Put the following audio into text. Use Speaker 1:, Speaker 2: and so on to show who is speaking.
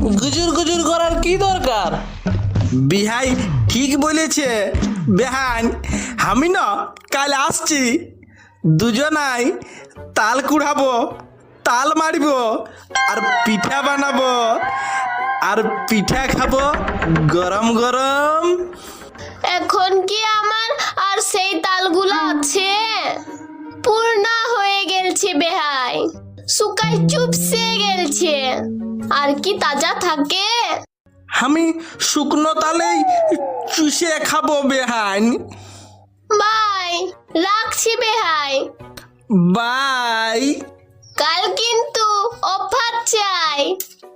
Speaker 1: গুজুর গুজুর করার কি দরকার?
Speaker 2: বিহাই ঠিক বলেছে বেহান। আমি না কাল আসছি, দুজনাই তাল কুড়াবো, তাল মারিব, আর পিঠা বানাবো, আর পিঠা খাবো গরম গরম।
Speaker 3: এখন কি আমার আর সেই তালগুলো আছে? পূর্ণা হয়ে গেলছে বেহাই, শুকাই চুপসে গেলছে। আর কি তাজা থাকে?
Speaker 2: আমি শুকনো তালেই চুষে খাবো বেহান।
Speaker 3: বাই, রাখছি বেহাই।
Speaker 2: বাই।
Speaker 3: কাল কিন্তু অফার চাই।